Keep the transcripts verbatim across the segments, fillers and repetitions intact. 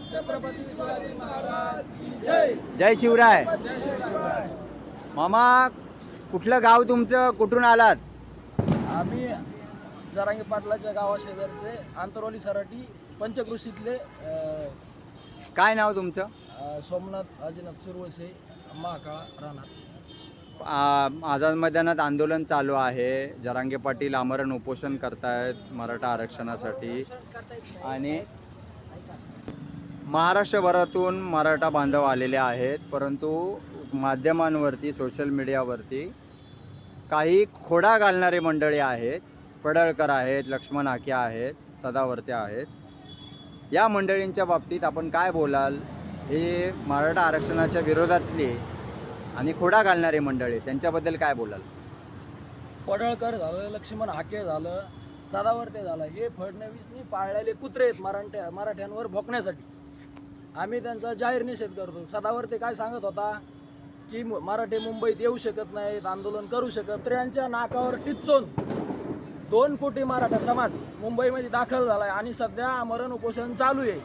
छत्रपती शिवाजी महाराज की जय. जय शिवराय. जय शिवराय. मामा, कुठलं गाव तुमचं, कुठून आलात? आम्ही जरांगे पाटलाच्या गावाशेजारचे आंतरवली सराटी पंचकृषीतले अ, काय नाव तुमचं? अ, सोमनाथ अजिनाथ सुरवसे महाकाळा राणा. आ- आझाद मैदानात आंदोलन चालू आहे. जरांगे पाटील आमरण उपोषण करतायत मराठा आरक्षणासाठी आणि महाराष्ट्रभरातून मराठा बांधव आलेले आहेत, परंतु माध्यमांवरती सोशल मीडियावरती काही खोडा घालणारे मंडळी आहेत. पडळकर आहेत, लक्ष्मण हाके आहेत, सदावर्ते आहेत. या मंडळींच्या बाबतीत आपण काय बोलाल? हे मराठा आरक्षणाच्या विरोधातले आणि खोडा घालणारे मंडळी, त्यांच्याबद्दल काय बोलाल? पडळकर झालं, लक्ष्मण हाके झालं, सदावर्ते झालं, हे फडणवीसनी पाळलेले कुत्रे आहेत मराठ्या मराठ्यांवर भोकण्यासाठी. आम्ही त्यांचा जाहीर निषेध करतो. सदावर्ते काय सांगत होता की मु- मराठे मुंबईत येऊ शकत नाहीत, आंदोलन करू शकत. कुत्र्यांच्या नाकावर टिच्चून दोन कोटी मराठा समाज मुंबईमध्ये दाखल झाला आहे आणि सध्या आमरण उपोषण चालू आहे.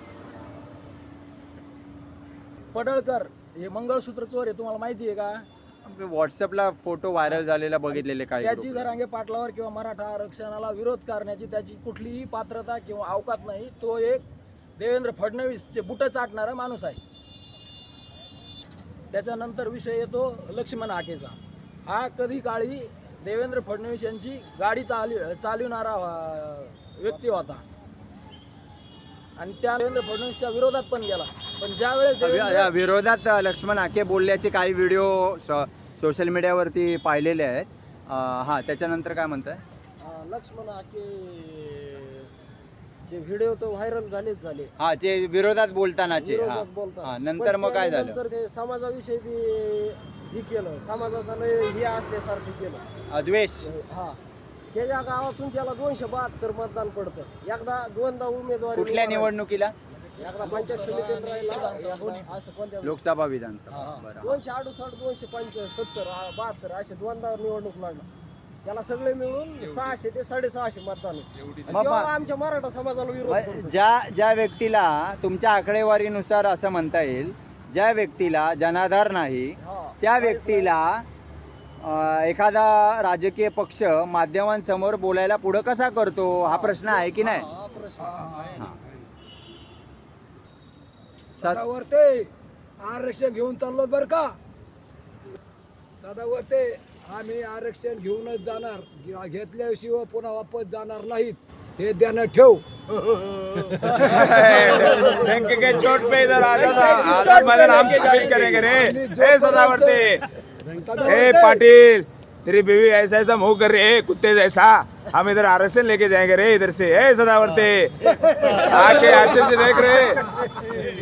पडळकर हे मंगळसूत्र चोर आहे, तुम्हाला माहिती आहे का? व्हॉट्सअपला फोटो व्हायरल झालेला बघितलेले काही त्याची group. जरांगे पाटलावर किंवा मराठा आरक्षणाला विरोध करण्याची त्याची कुठलीही पात्रता किंवा अवकात नाही. तो एक देवेंद्र फडणवीसचे बुट चाटणारा माणूस आहे. त्याच्यानंतर विषय येतो लक्ष्मण हाकेचा. हा कधी काळी देवेंद्र फडणवीस यांची गाडी चालव चालवणारा अं, व्यक्ती होता आणि त्या देवेंद्र फडणवीसच्या विरोधात पण गेला. पण ज्यावेळेस या देवेंद्र विरोधात लक्ष्मण हाके बोलल्याचे काही व्हिडिओ सोशल मीडियावरती पाहिलेले आहेत. अं, हां, त्याच्यानंतर काय म्हणताय? अं, लक्ष्मण हाके जे व्हिडिओ तो व्हायरल झालेच झाले. हा, ते विरोधात बोलतानाचे. विरोधात हां. बोलतात. हां, नंतर मग काय झालं? नंतर ते समाजाविषयी बी ही केलं, समाजाचं लय हे असल्यासारखं केलं. अद्वेष. हा, त्याच्या गावातून त्याला दोनशे बहात्तर मतदान पडतं. एकदा दोनदा उमेदवारी कुठल्या निवडून निवडणुकीला? एकदा पंचायत समितीत राहिला, एकदा असं कोणत्या लोकसभा विधानसभा. हा. बरं. दोनशे अडुसष्ट दोनशे पंच्याहत्तर बहात्तर असे दोनदा निवडणूक लढला. त्याला सगळे मिळून सहाशे ते साडेसहाशे मतदान आहे. आणि मग तेव्हा पा- आमच्या मराठा समाजाला विरोध मग करतो. ज्या ज्या व्यक्तीला तुमच्या आकडेवारीनुसार असं म्हणता येईल, ज्या व्यक्तीला जनाधार नाही, हा. त्या व्यक्तीला अं, एखादा राजकीय पक्ष माध्यमांसमोर बोलायला पुढं कसा करतो, हा प्रश्न आहे की नाही? हा, प्रश्न आहे. हां. सदावर्ते आरक्षण घेऊन चाललो बरं का. सदावर्ते आम्ही आरक्षण घेऊनच जाणार, घे- घेतल्याशिवाय पुन्हा वापस जाणार नाहीत, हे ध्यानात ठेव. डंक के चोट पे इधर आजाद आजाद मैदान हम पेश करेंगे रे. ए सदावर्ते, ए पाटिल, तेरी बीवी ऐसा ऐसा मुंह कर रही है कुत्ते जैसा. हम इधर आरक्षण लेके जाएंगे रे इधर से. ए सदावर्ते, आके अच्छे से देख रहे.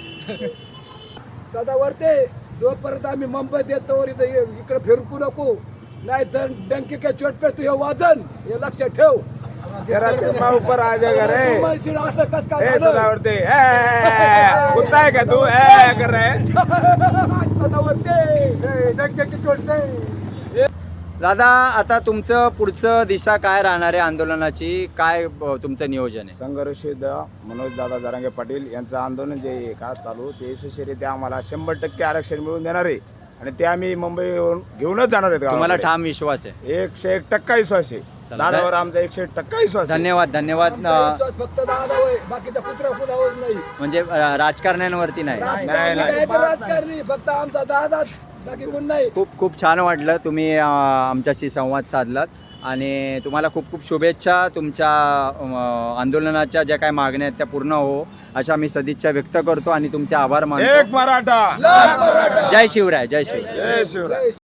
सदावर्ते जोपर्यंत आम्ही मुंबईत येतो इथं ये- इकडे फिरकू नको, नाही तर डंके के चोट पे तुझे वाजन, हे लक्षात ठेव. तेरा चश्मा ऊपर आ जाएगा रे. तू म्हणशील असं कस काय ए झालं? सदावर्ते, ए, ए, ए, कुत्ता है क्या तू? ए कर रहे है. सदावर्ते डंके की चोट से. दादा, आता तुमचं पुढचं दिशा काय राहणार आहे आंदोलनाची? काय अं, तुमचं नियोजन आहे? संघर्ष मनोज दादा जरांगे पाटील यांचं आंदोलन जे आहे का चालू, ते यशस्वीरित्या आम्हाला शंभर टक्के आरक्षण मिळवून देणार आहे आणि ते आम्ही मुंबईवरून घेऊनच जाणार आहेत. तुम्हाला गावाकडे. ठाम विश्वास आहे? एकशे एक टक्का विश्वास आहे. चला, दादावर आमचा एकशे एक टक्का विश्वास आहे. धन्यवाद. धन्यवाद. आमचा अं, विश्वास फक्त दादा होय, बाकीचा कुत्रा कुणावच नाही. म्हणजे अं, राजकारण्यांवरती नाही. राजकारणी नाही. काय ते राजकारणी, फक्त आमचा दादाच, बाकी कोण नाही. खूप खूप छान वाटलं तुम्ही अं, आमच्याशी संवाद साधलात आणि तुम्हाला खूप खूप शुभेच्छा. तुमच्या अं, आंदोलनाच्या ज्या काही मागण्या आहेत त्या पूर्ण हो अशा मी सदिच्छा व्यक्त करतो आणि तुमचे आभार मानतो. एक मराठा. लाल मराठा. जय शिवराय. जय शिवराय. जय शिवराय.